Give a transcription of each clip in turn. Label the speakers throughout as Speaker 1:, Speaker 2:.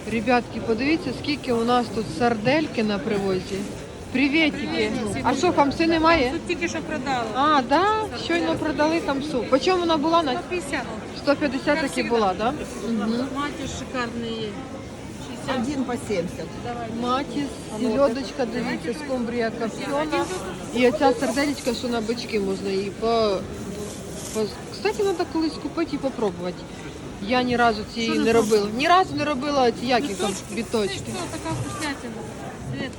Speaker 1: Ребятки, подивіться, скільки у нас тут сардельки на привозі. Привітики. А що, хамси немає?
Speaker 2: Тут тільки що продала.
Speaker 1: А, да? Щойно продали хамсу. По чому вона була?
Speaker 2: 150.
Speaker 1: 150 таки була, да? Угу.
Speaker 2: Матір шикарний є. 60.
Speaker 3: Один по 70.
Speaker 1: Матіс, селедочка, дивіться, скумбрія копчена. І оця сарделечка, що на бички можна її Кстати, треба колись купити і попробувати. Я ні разу цієї не робила. Ні разу не робила ці які там біточки.
Speaker 2: Це така вкуснятина. Светка.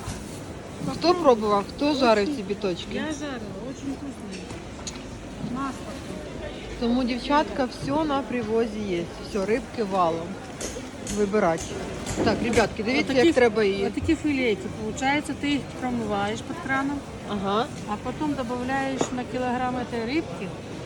Speaker 1: Хто пробував, хто жарив ці біточки?
Speaker 2: Я жарила, очень вкусные. Масло.
Speaker 1: Тому, дівчатка, все на привозі є. Все, рибки валом. Вибирати. Так, ребятки, дивіться, як треба її.
Speaker 2: Вот такие филейки. Получается, ты их промываешь под краном,
Speaker 1: Ага.
Speaker 2: а потом добавляешь на килограмм этой рыбки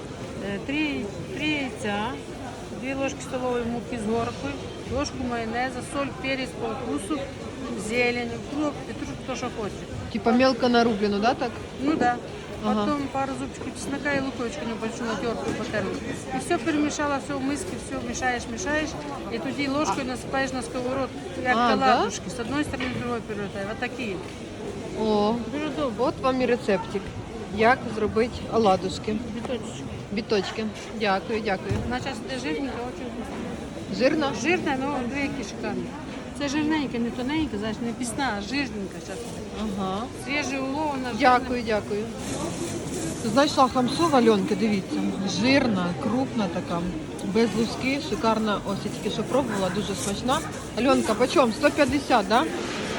Speaker 2: 3 яйца, 2 ложки столовой муки с горкой, ложку майонеза, соль, перец по вкусу, зелень, укроп, петрушку, кто что хочет.
Speaker 1: Типа мелко нарублено, да, так?
Speaker 2: Ну да.
Speaker 1: Ага.
Speaker 2: Потом пару зубчиков чеснока и луковичку небольшую натертую потерла. И все перемешала, все в миске, все мешаешь, и туди ложкой насыпаешь на сковородку, как
Speaker 1: А,
Speaker 2: оладушки. С одной стороны, с другой перевертай. Вот такие.
Speaker 1: О,
Speaker 2: Дуже добре.
Speaker 1: от вам і рецептик. Як зробити оладушки.
Speaker 2: Біточечки.
Speaker 1: Біточки. Дякую, дякую.
Speaker 2: Вона зараз іде жирненька, очень вкусна.
Speaker 1: Жирно?
Speaker 2: Жирна, але дві шикарні. Це жирненька, не тоненька, значить не пісна, а жирненька зараз.
Speaker 1: Ага.
Speaker 2: Свіжий улов, вона жирна.
Speaker 1: Дякую, дякую. Знайшла хамсу в Альонки, дивіться. Жирна, крупна така, без луски, шикарна. Ось я тільки що пробувала, дуже смачна. Альонка, почем? 150, да?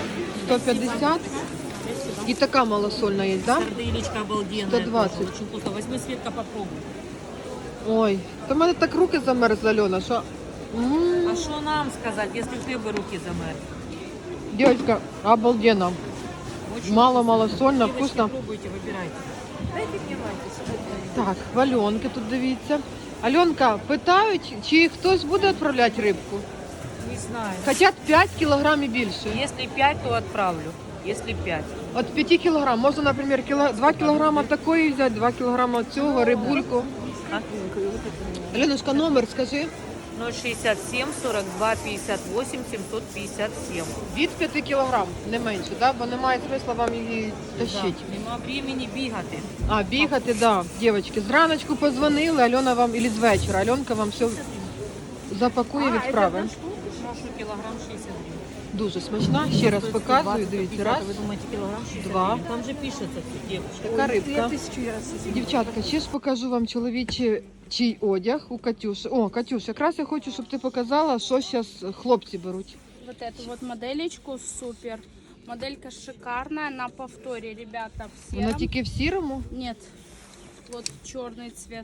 Speaker 1: 150. І така малосольна є, да?
Speaker 4: Сарделечка обалденная.
Speaker 1: 120.
Speaker 4: тоже, Очень вкусно. Возьми, Светка, попробуй.
Speaker 1: Ой, то в мене так руки замерзли, Альона, що...
Speaker 4: А что нам сказать, если в тебе руки замерзли?
Speaker 1: Дівчатка, обалденно.
Speaker 4: Очень
Speaker 1: Мало-мало
Speaker 4: вкусно.
Speaker 1: сольно,
Speaker 4: Девочки,
Speaker 1: вкусно.
Speaker 4: Пробуйте, выбирайте. Дайте мне Ваньке.
Speaker 1: Так, в Альонки тут дивіться. Альонка, питають, чи хтось буде відправляти рибку?
Speaker 4: Не знаю.
Speaker 1: Хотять 5 кілограмів більше.
Speaker 4: Если 5, то отправлю. Если 5.
Speaker 1: От 5 кілограм. Можна, наприклад, 2 кілограма такої взяти, 2 кілограма цього, рибульку.
Speaker 4: А?
Speaker 1: Альонушка, номер скажи.
Speaker 4: 067 42 58 757.
Speaker 1: Від 5 кілограм, не менше, да? Бо немає смисла вам її тащити.
Speaker 4: Нема времени бігати.
Speaker 1: А, бігати, да. Дівчатки, зраночку позвонили, Альона вам, або з вечора, Альонка вам все запакує, відправить.
Speaker 4: Прошу кілограм 60 гривен.
Speaker 1: Дуже смачна. Ще раз показую, дивіться, раз,
Speaker 4: Вы думаете, килограмм 60
Speaker 1: два.
Speaker 4: гривен? Там же пишется, девушка.
Speaker 1: Така рибка. Дівчатка, ще ж покажу вам чий одяг у Катюші. О, Катюш, якраз я хочу, щоб ти показала, що зараз хлопці беруть.
Speaker 5: Вот эту вот моделечку супер. Моделька шикарная, на повторе, ребята, в
Speaker 1: Вона
Speaker 5: сером.
Speaker 1: тільки в сірому,
Speaker 5: Нет, вот черный цвет.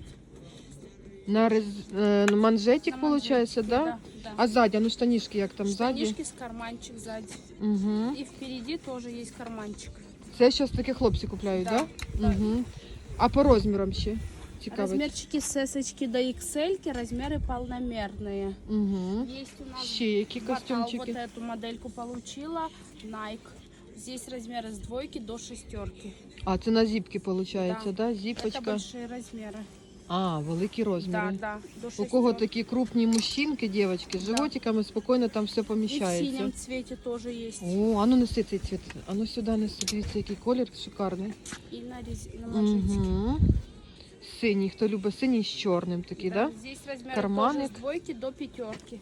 Speaker 1: на манжетик,
Speaker 5: На
Speaker 1: виходить,
Speaker 5: манжетике,
Speaker 1: да?
Speaker 5: да.
Speaker 1: А ззаді, ну штанішки як там ззаді?
Speaker 5: Штанишки с карманчик сзади.
Speaker 1: Угу.
Speaker 5: И впереди тоже есть карманчик.
Speaker 1: Це зараз такі хлопці купляють,
Speaker 5: Да,
Speaker 1: так?
Speaker 5: да.
Speaker 1: Угу. А по розмірам ще? Цікавить.
Speaker 5: Размерчики с S до XL, размеры полномерные.
Speaker 1: Угу.
Speaker 5: Есть у нас
Speaker 1: Ще які
Speaker 5: Батал,
Speaker 1: костюмчики?
Speaker 5: вот эту модельку получила, Nike. Здесь размеры с 2 до 6.
Speaker 1: А, це на зіпки, виходить,
Speaker 5: Да.
Speaker 1: да?
Speaker 5: Это
Speaker 1: Зіпочка.
Speaker 5: большие размеры.
Speaker 1: А, великі розміри.
Speaker 5: Да, да, до 6.
Speaker 1: У кого такі крупні мужчинки, дівчатки, з животиками спокійно там все
Speaker 5: И в
Speaker 1: поміщається.
Speaker 5: синем цвете тоже есть.
Speaker 1: О, а ну неси цей цвіт. А ну сюди неси, дивіться, який колір шикарний.
Speaker 5: И на манжетике.
Speaker 1: Угу. Синій, хто любить синій з чорним такий, да?
Speaker 5: Здесь размеры
Speaker 1: Карманик.
Speaker 5: тоже с 2 до 5.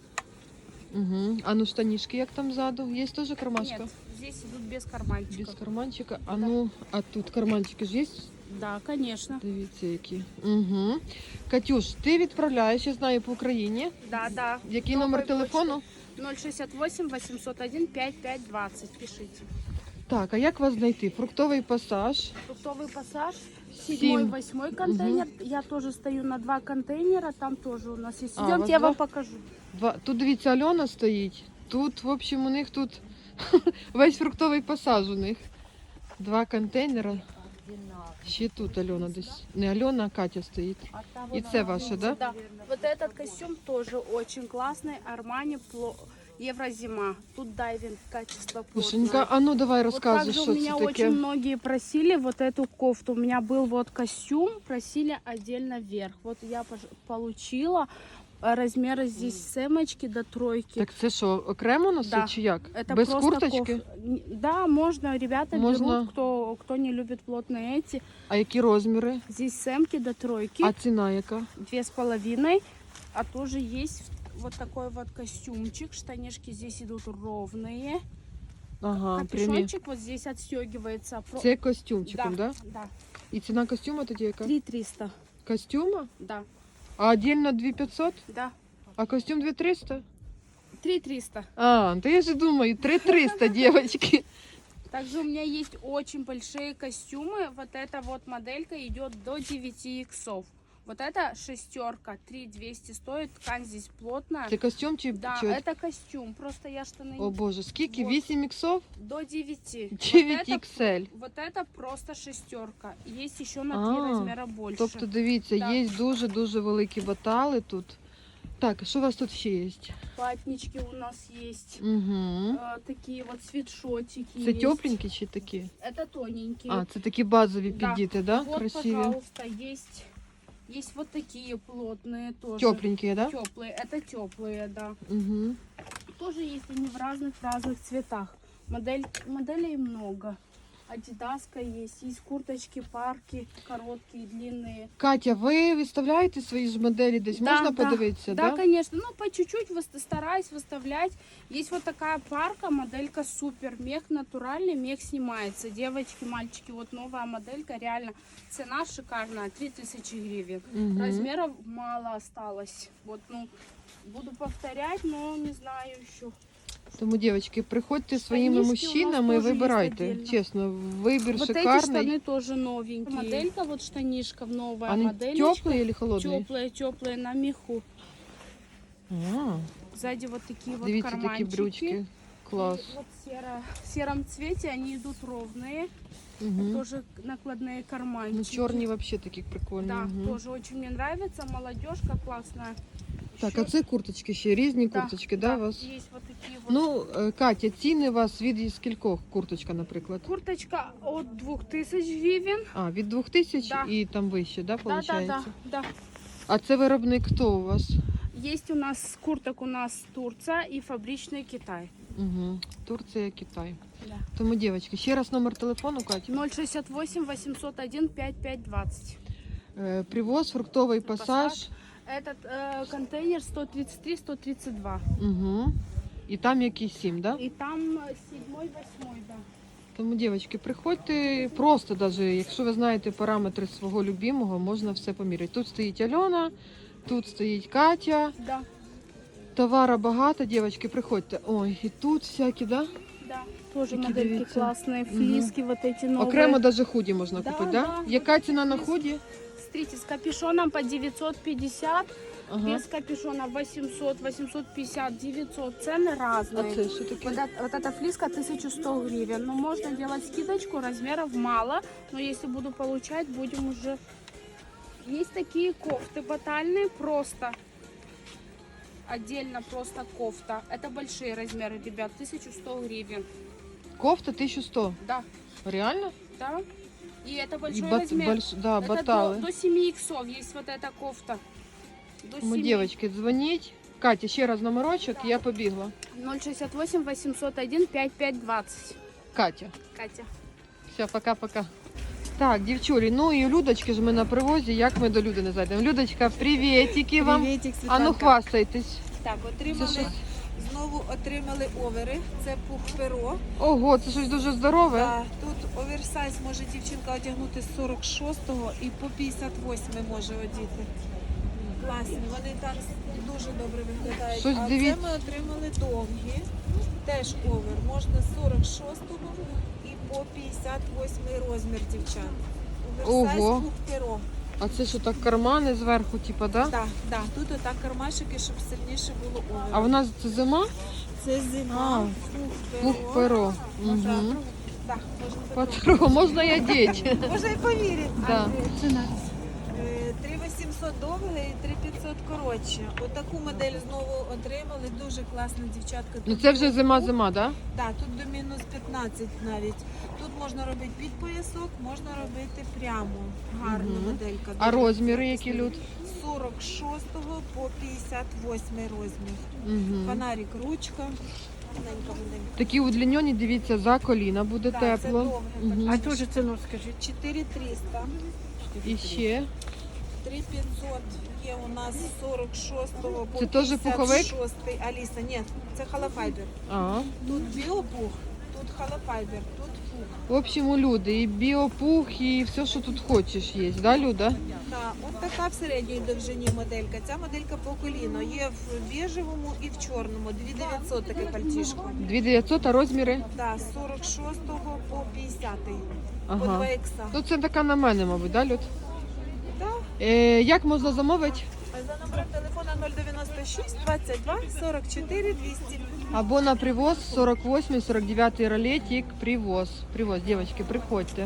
Speaker 1: Угу. А ну штанішки як там ззаду? Є теж кармашка?
Speaker 5: Нет, здесь идут без карманчиков.
Speaker 1: Без карманчика. А ну, а тут карманчики ж є?
Speaker 5: Да, конечно.
Speaker 1: Дивіться, які. Угу. Катюш, ти відправляєш, я знаю, по Україні.
Speaker 5: Да, да.
Speaker 1: Який
Speaker 5: Новой
Speaker 1: номер телефону?
Speaker 5: почты 068 801 5520. Пишите.
Speaker 1: Так, а як вас знайти? Фруктовий пасаж.
Speaker 5: Фруктовый пассаж.
Speaker 1: 7.
Speaker 5: 7-8 контейнер. Я тоже стою на 2 контейнера. Там тоже у нас есть.
Speaker 1: А, у
Speaker 5: Идемте,
Speaker 1: вас
Speaker 5: я
Speaker 1: два?
Speaker 5: вам покажу.
Speaker 1: Тут, дивіться, Альона стоїть. Тут, в общем, у них тут весь фруктовий пасаж у них. 2 контейнера. Ще тут Альона десь. Не Альона, а Катя стоїть. І це ваше, да?
Speaker 5: Да. Вот этот костюм тоже очень классный. Армани Еврозима. Тут дайвинг, качество
Speaker 1: Пушенька,
Speaker 5: плотное.
Speaker 1: а ну давай
Speaker 5: Вот
Speaker 1: розказуй,
Speaker 5: также
Speaker 1: що
Speaker 5: у
Speaker 1: це
Speaker 5: меня
Speaker 1: таке.
Speaker 5: очень многие просили вот эту кофту. У меня был вот костюм, просили отдельно вверх. Вот я получила. размеры здесь с эмочки до тройки.
Speaker 1: Так це що, окремо носить
Speaker 5: Да.
Speaker 1: чи як?
Speaker 5: Это
Speaker 1: Без
Speaker 5: просто
Speaker 1: курточки?
Speaker 5: Да, можно. Ребята
Speaker 1: Можно.
Speaker 5: берут, кто не любит плотные эти.
Speaker 1: А які розміри?
Speaker 5: Здесь с эмки до тройки.
Speaker 1: А ціна яка?
Speaker 5: 2,5. А тоже есть вот такой вот костюмчик. Штанишки здесь идут ровные.
Speaker 1: Ага, прямі.
Speaker 5: Капюшончик вот здесь отстегивается.
Speaker 1: Це костюмчиком, да?
Speaker 5: Да.
Speaker 1: І ціна костюма тоді яка?
Speaker 5: 3 300.
Speaker 1: Костюма?
Speaker 5: Да.
Speaker 1: А отдельно 2500?
Speaker 5: Да.
Speaker 1: А костюм 2300?
Speaker 5: 3 300.
Speaker 1: А, то я же думаю, 3300, девочки.
Speaker 5: Также у меня есть очень большие костюмы. Вот эта вот моделька идет до 9 иксов. Вот это шестерка, 3200 стоит. Ткань здесь плотная.
Speaker 1: Це костюм чи
Speaker 5: Да,
Speaker 1: чи-
Speaker 5: это костюм. Просто я штаны
Speaker 1: О боже, скільки?
Speaker 5: Вот.
Speaker 1: 8 іксов?
Speaker 5: до 9.
Speaker 1: 9
Speaker 5: вот, это,
Speaker 1: XL.
Speaker 5: вот это просто шестерка. Есть еще на 3
Speaker 1: А,
Speaker 5: размера больше.
Speaker 1: Тобто, дивіться,
Speaker 5: Да.
Speaker 1: є дуже-дуже великі батали тут. Так, що у вас тут ще є?
Speaker 5: Ватнички у нас есть.
Speaker 1: Угу.
Speaker 5: Такие вот свитшотики
Speaker 1: Це
Speaker 5: есть.
Speaker 1: тепленькі чи такі?
Speaker 5: Это тоненькие.
Speaker 1: А, це такі базові
Speaker 5: Да.
Speaker 1: піддіти, да?
Speaker 5: Вот,
Speaker 1: Красиві.
Speaker 5: пожалуйста, есть вот такие плотные тоже.
Speaker 1: Тепленькі, да?
Speaker 5: Теплые, это теплые, да.
Speaker 1: Угу.
Speaker 5: Тоже есть они в разных цветах. Моделей много. Адидаска есть курточки, парки, короткие, длинные.
Speaker 1: Катя, ви виставляєте свої ж моделі десь?
Speaker 5: Да,
Speaker 1: Можна
Speaker 5: да.
Speaker 1: подивитися,
Speaker 5: Да,
Speaker 1: да?
Speaker 5: конечно. Ну, по чуть-чуть стараюсь выставлять. Есть вот такая парка, моделька супер. Мех натуральный, мех снимается. Девочки, мальчики, вот новая моделька, реально. Цена шикарная, 3000 гривен.
Speaker 1: Мгм.
Speaker 5: Размеров мало осталось. Вот, ну, буду повторять, но не знаю еще.
Speaker 1: Тому, дівчатки, приходьте зі своїми
Speaker 5: Штанишки у нас
Speaker 1: мужчинами і
Speaker 5: теж є
Speaker 1: вибирайте.
Speaker 5: отдельно.
Speaker 1: Чесно, вибір
Speaker 5: Вот эти
Speaker 1: шикарний.
Speaker 5: штаны тоже новенькие. Моделька, вот штанишка, новая
Speaker 1: Вони
Speaker 5: моделька.
Speaker 1: теплі чи холодні?
Speaker 5: Теплые на меху.
Speaker 1: А,
Speaker 5: Сзади вот такие вот
Speaker 1: дивіться, такі
Speaker 5: карманчики.
Speaker 1: брючки. Клас.
Speaker 5: И вот в сером цвете они идут ровные.
Speaker 1: Угу.
Speaker 5: Тоже накладные карманчики.
Speaker 1: Ну, чорні взагалі такі прикольні.
Speaker 5: Да,
Speaker 1: Мгм.
Speaker 5: тоже очень мне нравится. Молодежка классная.
Speaker 1: Так,
Speaker 5: Ещё-
Speaker 1: а це курточки ще, різні
Speaker 5: Да,
Speaker 1: курточки, да, у вас?
Speaker 5: Есть вот такие вот.
Speaker 1: Ну, Катя, ціни у вас від скількох курточка, наприклад?
Speaker 5: Курточка от 2000 гривен.
Speaker 1: А, від 2000
Speaker 5: Да.
Speaker 1: і там вище, да,
Speaker 5: Да,
Speaker 1: виходить?
Speaker 5: да.
Speaker 1: А це виробник хто у вас?
Speaker 5: Есть у нас курток у нас Турция и фабричный Китай.
Speaker 1: Угу. Турція, Китай.
Speaker 5: Да.
Speaker 1: Тому, дівчатки, ще раз номер телефону, Катя.
Speaker 5: 068 801 5520.
Speaker 1: Привоз, фруктовий пасаж.
Speaker 5: Этот контейнер 133-132.
Speaker 1: Угу. І там якісь 7, да?
Speaker 5: И там 7-8, да.
Speaker 1: Тому, дівчатки, приходьте просто, даже, якщо ви знаєте параметри свого любимого, можна все поміряти. Тут стоїть Альона, тут стоїть Катя.
Speaker 5: Да,
Speaker 1: Товара багато, дівчатки, приходьте. Ой, і тут всякі, да?
Speaker 5: да. Тоже
Speaker 1: Какие
Speaker 5: модельки
Speaker 1: дивіться.
Speaker 5: классные, флиски вот эти новые.
Speaker 1: Окремо даже худі можна
Speaker 5: Да,
Speaker 1: купити, да?
Speaker 5: да.
Speaker 1: Яка ціна на худі?
Speaker 5: Смотрите, с капюшоном по 950,
Speaker 1: Ага.
Speaker 5: без капюшона 800, 850, 900. Цены
Speaker 1: А
Speaker 5: разные.
Speaker 1: це що таке?
Speaker 5: Вот эта флиска 1100 гривен. Но можно делать скидочку, размеров мало. Но если буду получать, будем уже... Есть такие кофты батальные, просто отдельно просто кофта. Это большие размеры, ребят, 1100 гривен.
Speaker 1: Кофта 1100.
Speaker 5: Да,
Speaker 1: Реально?
Speaker 5: да. И это
Speaker 1: І
Speaker 5: большой размер.
Speaker 1: да,
Speaker 5: Это
Speaker 1: батали.
Speaker 5: до 7 иксов есть вот эта кофта. До
Speaker 1: Тому,
Speaker 5: 7.
Speaker 1: дівчатки, дзвоніть. Катя, ще раз номерочок, я побігла.
Speaker 5: 068 801 5520.
Speaker 1: Катя.
Speaker 5: Катя.
Speaker 1: Все, пока-пока. Так, дівчулі, ну і Людочки ж ми на привозі, як ми до Люди не зайдемо. Людочка, привітики вам.
Speaker 3: Привітик,
Speaker 1: А ну
Speaker 3: Світланка.
Speaker 1: хвастайтесь.
Speaker 3: Так,
Speaker 1: Це що?
Speaker 3: знову отримали овери. Це пух перо.
Speaker 1: Ого, це щось дуже здорове.
Speaker 3: Да, тут оверсайз може дівчинка одягнути з 46-го і по 58 може одіти. Класні, вони так дуже добре виглядають.
Speaker 1: Щось
Speaker 3: а
Speaker 1: дивіться.
Speaker 3: це ми отримали довгі. Теж овер. Можна з 46-го і по 58 розмір дівчат. Оверсайз
Speaker 1: Ого.
Speaker 3: пух перо.
Speaker 1: А це що так кармани зверху, типа, да?
Speaker 3: Так, так. Тут отак кармашики, щоб сильніше було овер.
Speaker 1: А в нас це зима?
Speaker 3: Це зима,
Speaker 1: Пух перо.
Speaker 3: Угу.
Speaker 1: Угу.
Speaker 3: Так, можна
Speaker 1: Патро, можна я діти?
Speaker 3: Можна і повірити.
Speaker 1: Да.
Speaker 3: Ціна. 3800 3500 довге і 3500 коротше. Отаку модель знову отримали. Дуже класна дівчатка.
Speaker 1: Ну
Speaker 3: Тут
Speaker 1: це вже
Speaker 3: мінус-
Speaker 1: зима-зима, да?
Speaker 3: Так, тут до мінус 15 навіть. Тут можна робити під поясок, можна робити прямо. Гарна
Speaker 1: Мгм.
Speaker 3: моделька.
Speaker 1: А
Speaker 3: дуже
Speaker 1: розміри які,
Speaker 3: якісна.
Speaker 1: Люд?
Speaker 3: З 46 по 58 розмір.
Speaker 1: Угу.
Speaker 3: Фонарик, ручка. Маленька моделька.
Speaker 1: Такі удлінені, дивіться, за коліна буде
Speaker 3: Так, це
Speaker 1: тепло.
Speaker 3: довге.
Speaker 1: Мгм.
Speaker 2: А теж ціну скажіть.
Speaker 3: 4300.
Speaker 1: І ще
Speaker 3: 3500 є у нас з 46 по
Speaker 1: Це теж пуховик?
Speaker 3: 56. Аліса, ні, це холофайбер.
Speaker 1: а.
Speaker 3: Тут біопух, тут холофайбер, тут пух.
Speaker 1: В общем, у Люди і біопух, і все, що тут хочеш, є, да, Люда?
Speaker 3: Так, от така в середній довжині моделька. Ця моделька по коліно. Є в біжевому і в чорному. 2900 таке пальтішко.
Speaker 1: 2900, а розміри?
Speaker 3: Так, з 46 по 50. По
Speaker 1: Ага.
Speaker 3: 2 ікса.
Speaker 1: Ну це така на мене, мабуть, да, Люд?
Speaker 3: Так.
Speaker 1: Як можна замовити?
Speaker 3: За номером телефона 096 22 44 200.
Speaker 1: Або на привоз 48-49 ролетик привоз. Привоз, девочки, приходьте.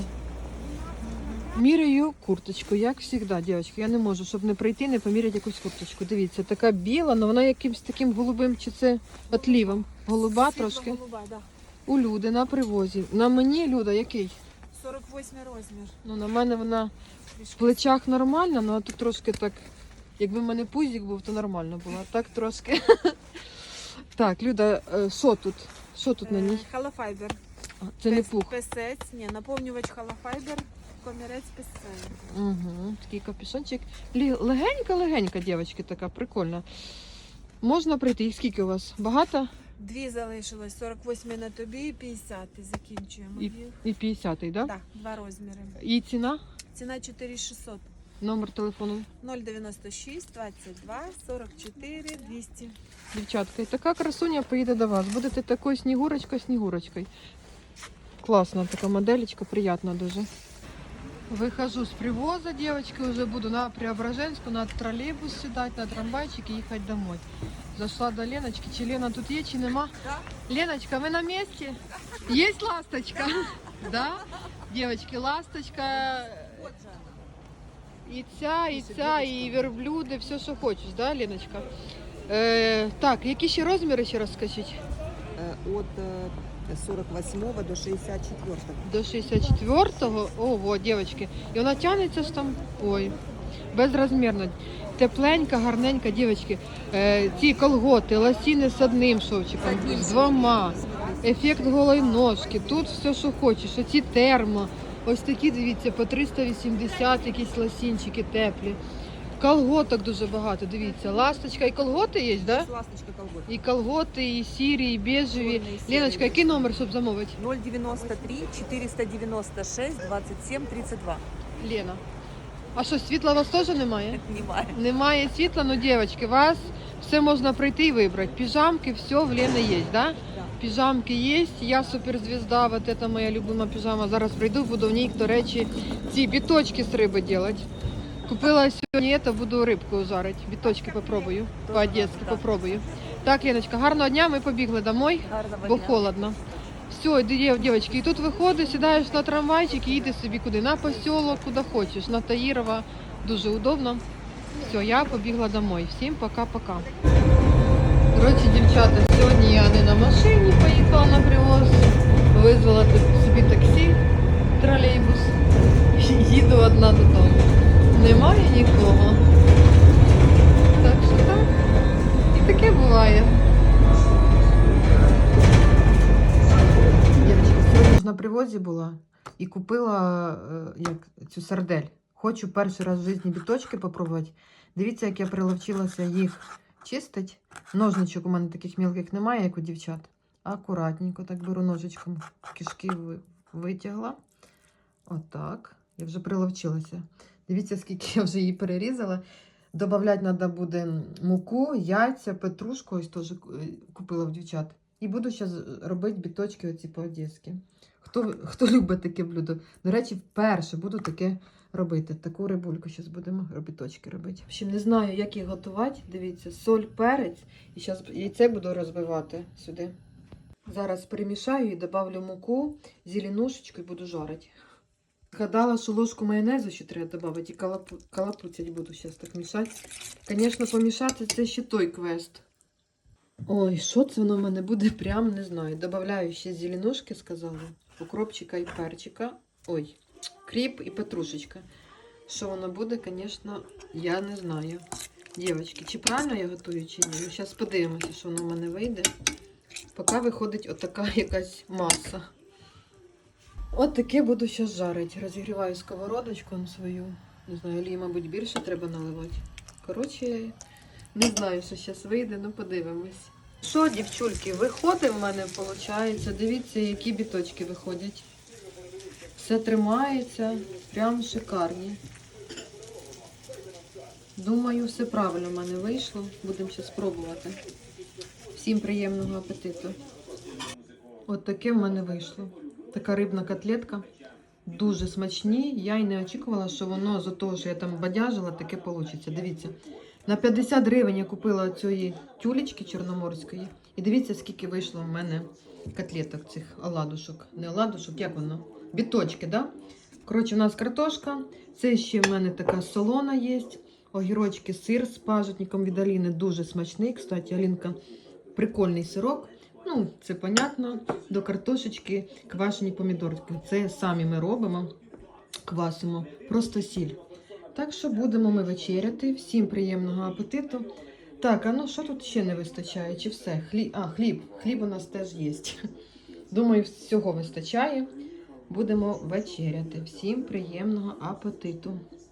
Speaker 1: Міряю курточку, як завжди, дівчатки. Я не можу, щоб не прийти, не поміряти якусь курточку. Дивіться, така біла, але вона якимсь таким голубим, чи це отлівом. Голуба трошки.
Speaker 3: Голуба, да.
Speaker 1: У Люди на привозі. На мені, Люда, який?
Speaker 3: 48 розмір.
Speaker 1: Ну, на мене вона в плечах нормальна, ну а тут трошки так, якби в мене пузик був, то нормально було. А так трошки. Так, Люда, що тут? Що тут на ній?
Speaker 3: Холофайбер.
Speaker 1: А, це не пух.
Speaker 3: Песець, ні, наповнювач холофайбер, комірець песець.
Speaker 1: Угу, такий капюшончик. Легенька-легенька, дівчатки, така прикольна. Можна прийти. Їх скільки у вас? Багато?
Speaker 3: Дві залишилось, 48 на тобі і 50 закінчуємо
Speaker 1: І,
Speaker 3: їх.
Speaker 1: і 50-й, да?
Speaker 3: Так, два розміри.
Speaker 1: І ціна?
Speaker 3: Ціна 4600.
Speaker 1: Номер телефону.
Speaker 3: 096 22 44 200.
Speaker 1: Дівчатка, і така красуня поїде до вас. Будете такою снігурочкою. Класна така моделечка, приятна дуже. Выхожу с привоза, девочки, уже буду на Преображенскую, на троллейбус сідати, на трамвайчик и ехать домой. Зашла до Леночки. Чи Лена тут є, чи нема? Леночка, вы на месте? Есть ласточка? Да? Девочки, ласточка. І ця, і верблюди, все, що хочеш, да, Леночка? Так, які ще розміри, ще раз скажіть?
Speaker 6: От 48 до 64.
Speaker 1: До 64-го? Ого, дівчатки. І вона тягнеться ж там, ой, безрозмірно. Тепленька, гарненька, дівчатки. Ці колготи, лосіни з одним шовчиком, з двома. Ефект голої ножки. Тут все, що хочеш. Оці термо. Ось такі, дивіться, по 380 якісь лосінчики теплі. Колготок дуже багато, дивіться. Ласточка і колготи є, да?
Speaker 6: Ласточка колгот.
Speaker 1: І колготи, і сірі, і бежеві.
Speaker 6: Чорний, сірий.
Speaker 1: Леночка, який номер, щоб замовити?
Speaker 6: 093 496 27 32.
Speaker 1: Лена. А що, світла у вас теж немає?
Speaker 6: Немає.
Speaker 1: Немає світла, ну, дівчатки, вас все можна прийти і вибрати. Піжамки, все в Лени є, да? Піжамки є, я суперзвізда, вот это моя любима піжама. Зараз прийду, буду в ній, до речі, ці біточки з риби робити. Купила сьогодні це, буду рибку жарити. Біточки попробую, по-одеськи попробую. Так, Леночка, гарного дня, ми побігли домой,
Speaker 6: Гарного
Speaker 1: бо
Speaker 6: дня.
Speaker 1: холодно. Все, дівчатки, і тут виходиш, сідаєш на трамвайчик і їдеш собі куди, на посілок, куди хочеш, на Таїрова, дуже удобно. Все, я побігла домой. Всім пока-пока. Коротше, дівчата, сьогодні я не на машині поїхала на привоз, визвала тут собі таксі, тролейбус, їду одна додому. Немає нікого. Так що так, і таке буває. Сьогодні ж на привозі була і купила цю сардель. Хочу перший раз в житті біточки попробувати. Дивіться, як я приловчилася їх чистити. Ножничок у мене таких мілких немає, як у дівчат. Акуратненько так беру ножичком, кишки витягла. Отак. Я вже приловчилася. Дивіться, скільки я вже її перерізала. Добавляти треба буде муку, яйця, петрушку, ось теж купила в дівчат. І буду зараз робити біточки оці по-одеськи. Хто любить таке блюдо? До речі, вперше буду таке робити. Таку рибульку зараз будемо біточки робити. В общем, не знаю, як їх готувати. Дивіться, соль, перець. І зараз яйце буду розбивати сюди. Зараз перемішаю і добавлю муку, зеленушечку і буду жарити. Згадала, що ложку майонезу ще треба додати і калапуцять буду зараз так мішати. Звісно, помішати це ще той квест. Ой, що це воно в мене буде, прям не знаю. Добавляю ще зеленушки, сказала, укропчика і перчика. Ой, кріп і петрушечка. Що воно буде, звісно, я не знаю. Дівчатки, чи правильно я готую, чи ні? Ну, зараз подивимося, що воно в мене вийде. Поки виходить отака якась маса. От таке буду зараз жарити. Розігріваю сковородочку на свою. Не знаю, олії, мабуть, більше треба наливати. Коротше, не знаю, що зараз вийде, ну подивимось. Що, дівчульки, виходить в мене, виходить. Дивіться, які біточки виходять. Все тримається, прям шикарні. Думаю, все правильно в мене вийшло. Будемо зараз спробувати. Всім приємного апетиту. От таке в мене вийшло. Така рибна котлетка. Дуже смачні. Я й не очікувала, що воно з того, що я там бадяжила, таке вийде. Дивіться. На 50 гривень я купила цієї тюлечки чорноморської. І дивіться, скільки вийшло в мене котлеток цих оладушок. Не оладушок, як воно? Біточки, да? Коротше, у нас картошка. Це ще в мене така солона є. Огірочки, сир з пажитником від Аліни. Дуже смачний. Кстати, Алінка, прикольний сирок. Ну, це понятно. До картошечки квашені помідорки. Це самі ми робимо, квасимо. Просто сіль. Так що будемо ми вечеряти. Всім приємного апетиту. Так, а ну що тут ще не вистачає? Чи все? Хліб. Хліб у нас теж є. Думаю, всього вистачає. Будемо вечеряти. Всім приємного апетиту.